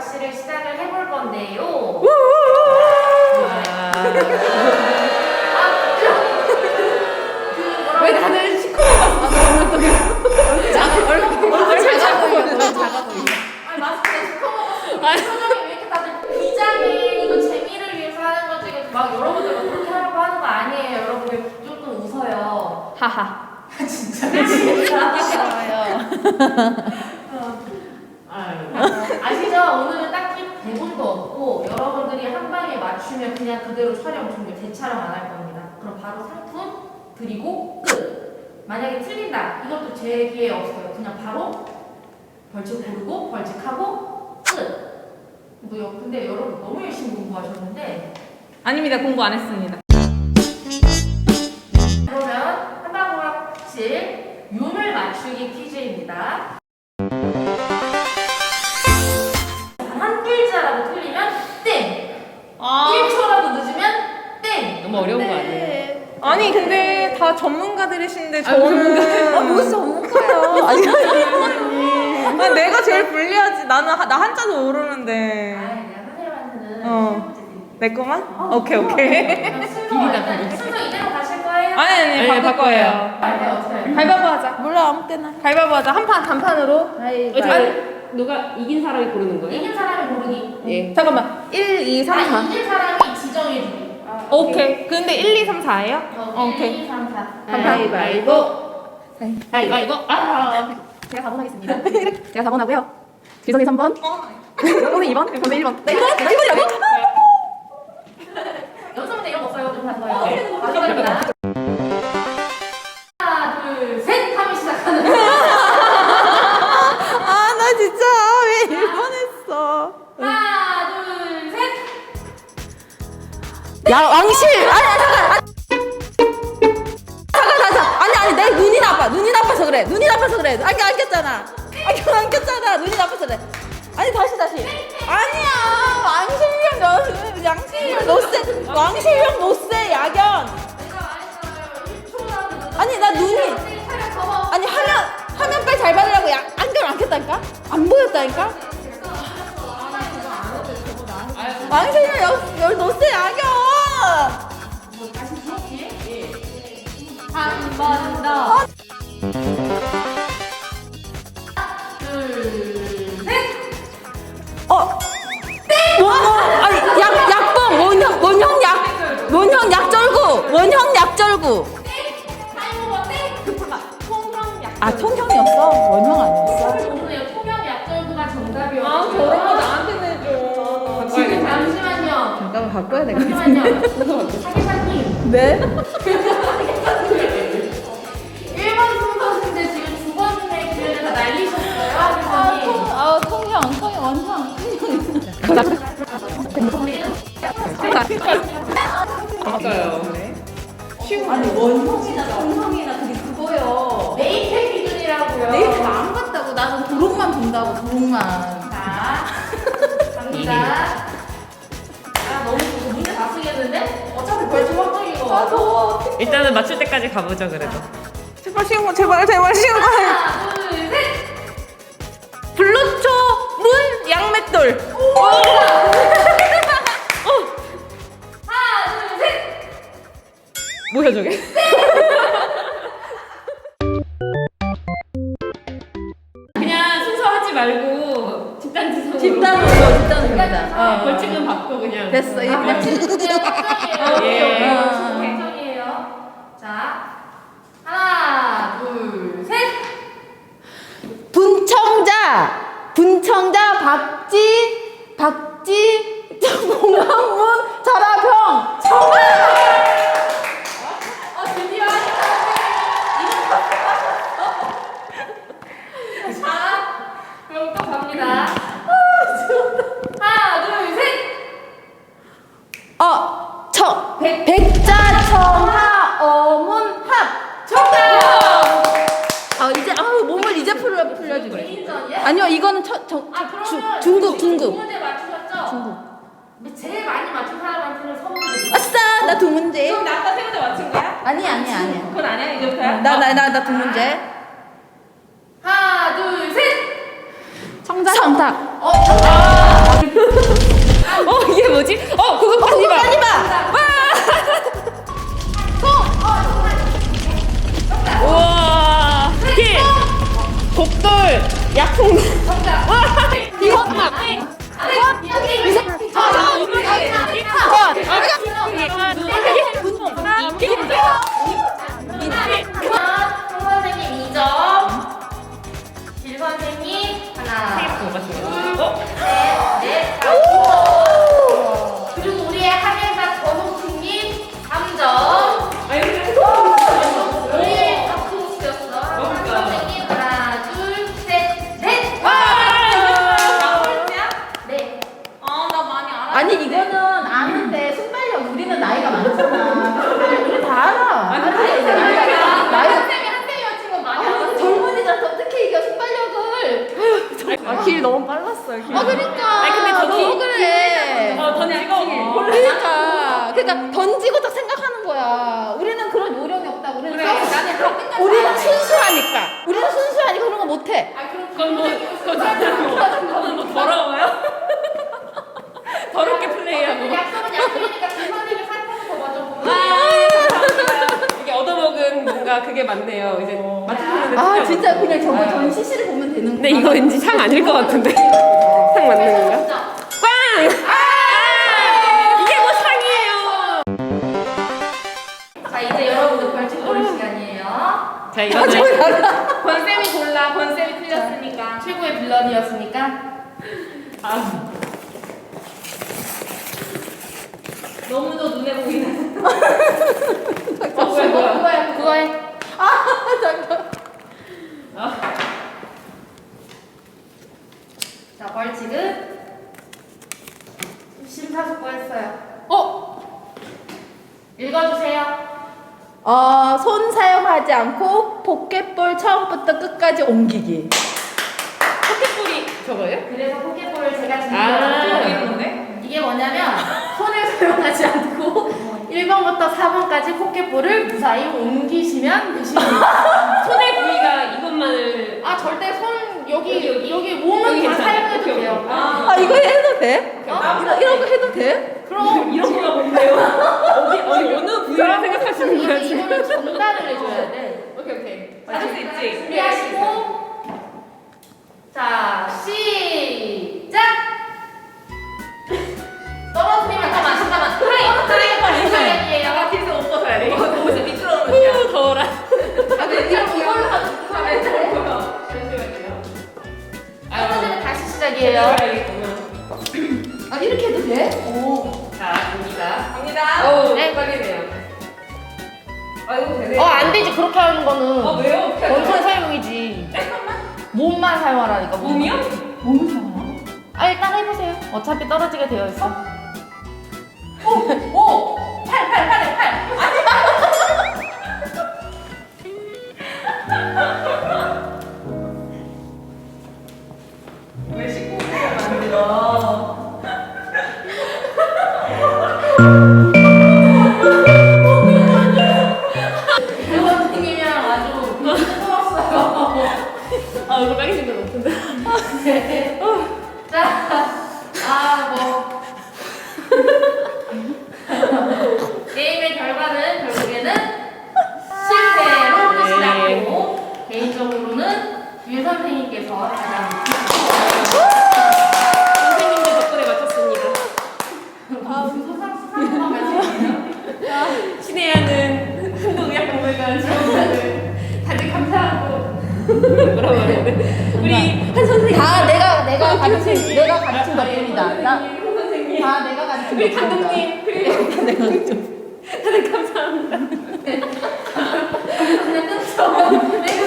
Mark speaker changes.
Speaker 1: 낚시를 시작을 해볼 건데요.
Speaker 2: 왜 다들 시커멓어? 얼굴 잘 작아 보여.
Speaker 1: 아니 마스크에 시커멓고 표정이 왜 이렇게 다들 비장해? 이거 재미를 위해서 하는 거지. 막 여러분들 막 그렇게 하려고 하는 거 아니에요. 여러분들 조금 웃어요.
Speaker 2: 하하.
Speaker 1: 진짜. 아시죠? 오늘은 딱히 대본도 없고 여러분들이 한 방에 맞추면 그냥 그대로 촬영 종료, 재촬영 안 할 겁니다. 그럼 바로 상품 드리고 끝. 만약에 틀린다, 이것도 제 기회 없어요. 그냥 바로 벌칙 고르고 벌칙하고 끝. 근데 여러분 너무 열심히 공부하셨는데.
Speaker 2: 아닙니다. 공부 안 했습니다.
Speaker 1: 그러면 한방울학실 유물 맞추기 퀴즈입니다. 한 글자라도 틀리면 땡! 1초라도 늦으면 땡!
Speaker 2: 너무 어려운 거 아니에요? 아니 근데 다 전문가들이신데 저는
Speaker 3: 무슨 전문가요?
Speaker 2: 아, 내가 제일 불리하지. 나 한자도 모르는데.
Speaker 1: 아, 내가 선생님한테는
Speaker 2: 어. 내 거만? 오케이.
Speaker 1: 그럼 순서 이대로 가실 거예요?
Speaker 2: 아니 바꿀 거예요.
Speaker 1: 네, 어떻게?
Speaker 2: 가위바위보 하자.
Speaker 3: 몰라 아무 때나.
Speaker 2: 가위바위보 하자. 한 판 단판으로.
Speaker 4: 누가 이긴 사람이 고르는 거예요?
Speaker 1: 이긴 사람이 고르기.
Speaker 4: 예.
Speaker 2: 잠깐만. 1, 2, 3, 4.
Speaker 1: 이긴 사람이 지정해주기.
Speaker 2: 오케이. 근데 1, 2, 3, 4예요? 오케이.
Speaker 1: 1, 2, 3, 4.
Speaker 4: 가위바위보. 가위바위보.
Speaker 3: 제가 4번 하겠습니다. 제가 4번 하고요. 지성이 3번. 오늘 2번. 오늘 1번. 나 1번? 나 1번이라고?
Speaker 1: 연습 문제 이런 거 없어요. 좀 봤어요. 마지막입니다. 하나, 둘, 셋 하면 시작하는.
Speaker 3: 아, 나 진짜 왜 1번 했어?
Speaker 1: 하나, 둘, 셋.
Speaker 3: 야, 왕실! 아니, 내 눈이 나빠. 눈이 나빠서 그래. 눈이 나빠서 그래. 안경 안 꼈잖아. 안경 안 꼈잖아. 눈이 나빠서 그래. 아니, 다시. 아니야. 양실형 노세. 왕실형 노세, 야견.
Speaker 1: 내가 말했잖아요. 1초라도 늦으면.
Speaker 3: 아니, 나 눈이. 아니, 화면 빨리 잘 받으라고 안경 안 꼈다니까? 안 보였다니까? 왕실형 노세, 야견.
Speaker 1: 한 번 더. 둘, 셋.
Speaker 3: 아니, 약봉, 원형 약절구.
Speaker 1: 타이머가 땡.
Speaker 3: 아, 통형이었어? 원형 아니었어?
Speaker 1: 오늘 통영 약절구가 정답이었어요.
Speaker 2: 아, 저런 거 나한테 내줘.
Speaker 1: 지금 잠시만요.
Speaker 3: 잠깐만 바꿔야 돼.
Speaker 1: 사기사님.
Speaker 3: 네?
Speaker 1: 1번 순서인데 지금 두 번째 기회를 다 날리셨어요. 사기사님.
Speaker 3: 통형, 원형.
Speaker 2: 맞아요.
Speaker 3: 아니, 원형이나 통형이나 그거요.
Speaker 1: 네이트 기준이라고요.
Speaker 3: 네이트 안 봤다고. 나는 도록만 본다고, 도록만.
Speaker 1: 자, 갑니다. 아, 너무 문제 다 쓰겠는데? 어차피 벌칙 확정인 거 같아.
Speaker 4: 일단은 맞출 때까지 가보죠 그래도.
Speaker 2: 제발 쉬운 거, 제발 쉬운 거.
Speaker 1: 하나, 둘, 셋.
Speaker 2: 블루초 문 양맷돌.
Speaker 1: 하나, 둘, 셋.
Speaker 2: 뭐야 저게?
Speaker 4: 그냥 순서 하지 말고 집단 지성으로.
Speaker 3: 집단입니다.
Speaker 4: 벌칙은 받고 그냥.
Speaker 3: 됐어. 이제
Speaker 1: 벌칙은 확정이에요.
Speaker 4: 예.
Speaker 1: 벌칙은 확정이에요. 자, 하나, 둘, 셋.
Speaker 3: 분청자 박지 봉황문 자라평 정답.
Speaker 1: 드디어 자, 그럼 또 갑니다. 하나, 둘, 셋.
Speaker 3: 백자청하 어문합 정답. 이제 몸을 이제 풀려주네.
Speaker 1: 개인전이야?
Speaker 3: 아니요, 이거는
Speaker 1: 그러면
Speaker 3: 중국.
Speaker 1: 두 문제 맞추셨죠?
Speaker 3: 중국.
Speaker 1: 근데 제일 많이 맞춘 사람한테는 선물 드릴게요.
Speaker 3: 아싸, 나 두 문제.
Speaker 2: 그럼 나 아까 세 문제 맞춘 거야?
Speaker 3: 아니야.
Speaker 2: 그건 아니야 이제부터야?
Speaker 3: 나 두 문제.
Speaker 1: 하나, 둘, 셋.
Speaker 3: 청탁.
Speaker 1: 정답.
Speaker 4: 이게 뭐지? 그거 하지 마.
Speaker 3: 하지 마.
Speaker 4: 우와. 길. 독돌. 약풍.
Speaker 1: 송 선생님 2점. 길 선생님 하나. 넷. 그리고 우리의 한예사 전호팀님 3점. 우리의 박홍수였어. 선생님 하나, 둘, 셋, 넷. 네.
Speaker 2: 나 많이 알아.
Speaker 3: 아니 이거는 아는데 순발력 우리는 나이가 많잖아. 우리 다 알아. 나이
Speaker 1: 선생님이 한 대여친 건 많이 알았어.
Speaker 3: 젊은이들 어떻게 이겨 순발력을?
Speaker 2: 길 너무 빨랐어요. 길.
Speaker 3: 그러니까.
Speaker 4: 아니, 근데
Speaker 3: 너무 그래.
Speaker 4: 던지고.
Speaker 3: 그러니까 던지고 딱 생각하는 거야. 우리는 그런 요령이 없다. 우리는 우리는 순수하니까. 우리는 순수하니까 그런 거 못해.
Speaker 4: 그건 뭐 더러워요? 더럽게 플레이하고.
Speaker 1: 약속은 약속이니까 길 선생님 사탕 더 먼저 보고.
Speaker 4: 이게 얻어먹은 뭔가 그게 맞네요. 이제 맞추는데.
Speaker 3: 진짜 그냥 저거 전시실을 보면 되는 거야.
Speaker 4: 근데 이거 왠지 상 아닐 것 같은데. 상 맞는 건가? 빵! 이게 뭐 상이에요?
Speaker 1: 자, 이제 여러분들 벌칙 고를 시간이에요.
Speaker 4: 자, 이거는
Speaker 2: 권쌤이 골라. 권쌤이 틀렸으니까.
Speaker 1: 최고의 빌런이었으니까.
Speaker 2: 너무도 눈에 보이는.
Speaker 1: 그거 해.
Speaker 3: 잠깐.
Speaker 1: 자, 벌칙은 심사숙고했어요. 읽어주세요.
Speaker 3: 손 사용하지 않고 포켓볼 처음부터 끝까지 옮기기.
Speaker 4: 포켓볼이 저거예요?
Speaker 1: 그래서 포켓볼을 제가
Speaker 4: 아,
Speaker 1: 준비했는데 이게 뭐냐면 손을 사용하지 않고 1번부터 4번까지 포켓볼을 무사히 옮기시면 되십니다.
Speaker 4: 손의 부위가 이것만을.
Speaker 1: 절대 손 여기 몸은
Speaker 4: 여기
Speaker 1: 다
Speaker 4: 괜찮아.
Speaker 1: 사용해도
Speaker 4: 오케이,
Speaker 1: 돼요.
Speaker 3: 이거 해도 돼? 이런 거 해도 돼?
Speaker 1: 그럼
Speaker 4: 이런 거가 뭔데요? 어느 부위를 생각하시는 거야, 지금?
Speaker 1: 이거를 전달을 해줘야 돼.
Speaker 4: 오케이. 할 수 있지?
Speaker 1: 준비하시고 자 시작. 떨어뜨리면 잠깐만. 타임이에요.
Speaker 4: 뒤에서 옷 벗어야 돼. 이거 너무 미끄러우면. 더워라.
Speaker 1: 이걸로 떨어지면 다시 시작이에요.
Speaker 3: 이렇게 해도 돼?
Speaker 4: 자, 갑니다. 어우,
Speaker 1: 네.
Speaker 4: 떨리네요. 이거 되네요.
Speaker 1: 안 되지 그렇게 하는 거는
Speaker 4: 왜요?
Speaker 1: 원천 사용이지. 몸만 사용하라니까.
Speaker 4: 몸이요?
Speaker 3: 몸을 사용하고?
Speaker 1: 일단 해보세요. 어차피 떨어지게 되어 있어.
Speaker 4: 팔. 왜 19분을 만들어?
Speaker 1: 선생님이랑 아주 뜨거웠어요.
Speaker 4: 이거 빨개진 건 없던데.
Speaker 1: 게임의 결과는 결국에는 실패로 끝이 났고 개인적으로는 유 선생님께서 가장
Speaker 4: 선생님들 덕분에 맞췄습니다.
Speaker 1: 수상한 말씀이에요.
Speaker 4: 신혜야는 한국의학박물관 지원자들 다들 감사하고 뭐라고 하는데 우리 한 선생님
Speaker 3: 내가 가르친 덕분이다.
Speaker 4: 한 선생님
Speaker 3: 다 내가 가르친
Speaker 4: 우리
Speaker 3: 덕분이다.
Speaker 4: 감독님 그리고 다들 감사합니다.
Speaker 1: 그냥 끊죠.